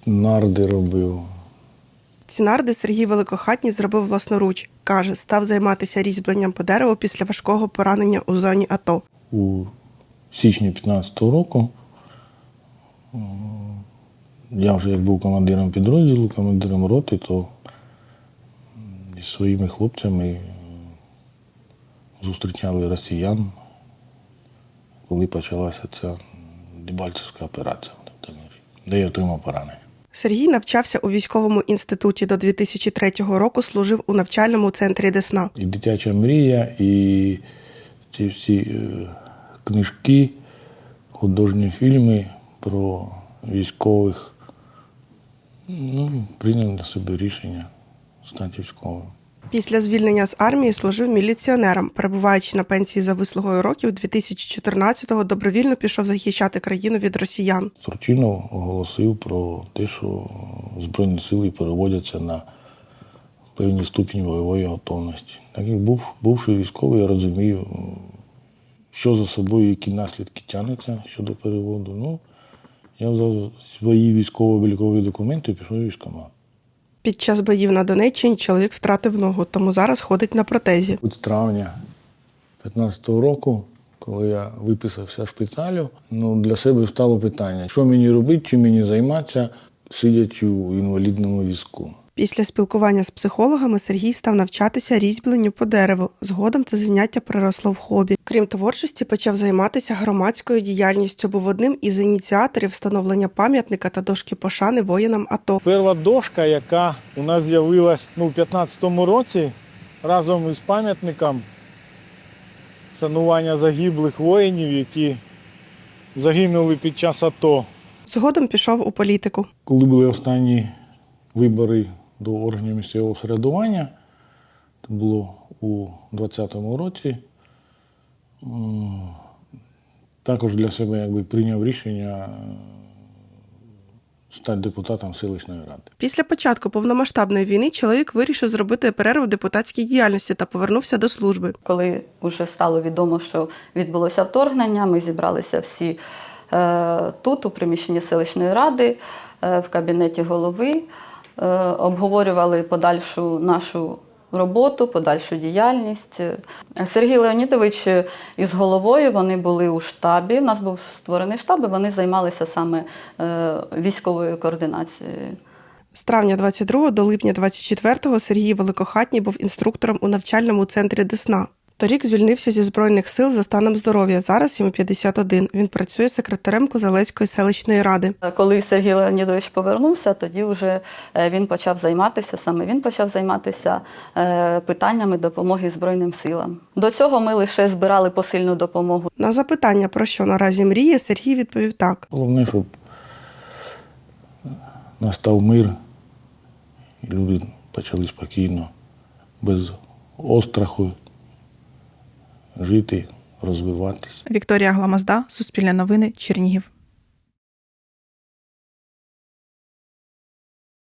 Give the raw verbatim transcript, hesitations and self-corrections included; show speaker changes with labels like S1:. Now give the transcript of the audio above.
S1: нарди робив.
S2: Ці нарди Сергій Великохатній зробив власноруч. Каже, став займатися різьбленням по дереву після важкого поранення у зоні АТО.
S1: У січні п'ятнадцятого року я вже як був командиром підрозділу, командиром роти, то зі своїми хлопцями зустрічали росіян, коли почалася ця Дебальцевська операція, де я отримав поранення.
S2: Сергій навчався у військовому інституті до дві тисячі третього року, служив у навчальному центрі Десна.
S1: І «Дитяча мрія», і ці всі е, книжки, художні фільми про військових. Ну, прийняв на себе рішення стати військовим.
S2: Після звільнення з армії служив міліціонером. Перебуваючи на пенсії за вислугою років, дві тисячі чотирнадцятого добровільно пішов захищати країну від росіян.
S1: Турчинов оголосив про те, що Збройні сили переводяться на певний ступінь бойової готовності. Так як був, бувши військовий, я розумію, що за собою, які наслідки тягнуться щодо переводу. Ну, я взяв свої військово-облікові документи і пішов у військкомат.
S2: Під час боїв на Донеччині чоловік втратив ногу, тому зараз ходить на протезі.
S1: З травня п'ятнадцятого року, коли я виписався шпиталю, ну, для себе стало питання, що мені робити, чим мені займатися, сидячи у інвалідному візку.
S2: Після спілкування з психологами Сергій став навчатися різьбленню по дереву. Згодом це заняття переросло в хобі. Крім творчості, почав займатися громадською діяльністю, був одним із ініціаторів встановлення пам'ятника та дошки пошани воїнам АТО.
S3: Перша дошка, яка у нас з'явилась ну, у п'ятнадцятому році, разом із пам'ятником вшанування загиблих воїнів, які загинули під час АТО.
S2: Згодом пішов у політику.
S1: Коли були останні вибори до органів місцевого самоврядування, це було у двадцятому році, також для себе якби прийняв рішення стати депутатом селищної ради.
S2: Після початку повномасштабної війни чоловік вирішив зробити перерву в депутатській діяльності та повернувся до служби.
S4: Коли вже стало відомо, що відбулося вторгнення, ми зібралися всі е, тут, у приміщенні селищної ради, е, в кабінеті голови, е, обговорювали подальшу нашу роботу, подальшу діяльність. Сергій Леонідович із головою, вони були у штабі, у нас був створений штаб, і вони займалися саме е, військовою координацією.
S2: З травня двадцять другого до липня двадцять четвертого Сергій Великохатній був інструктором у навчальному центрі Десна. Торік звільнився зі Збройних сил за станом здоров'я. Зараз йому п'ятдесят один. Він працює секретарем Козелецької селищної ради.
S4: Коли Сергій Леонідович повернувся, тоді вже він почав займатися, саме він почав займатися питаннями допомоги Збройним силам. До цього ми лише збирали посильну допомогу.
S2: На запитання, про що наразі мріє, Сергій відповів так.
S1: Головне, щоб настав мир, і люди почали спокійно, без остраху жити, розвиватися.
S5: Вікторія Гламазда, Суспільне новини, Чернігів.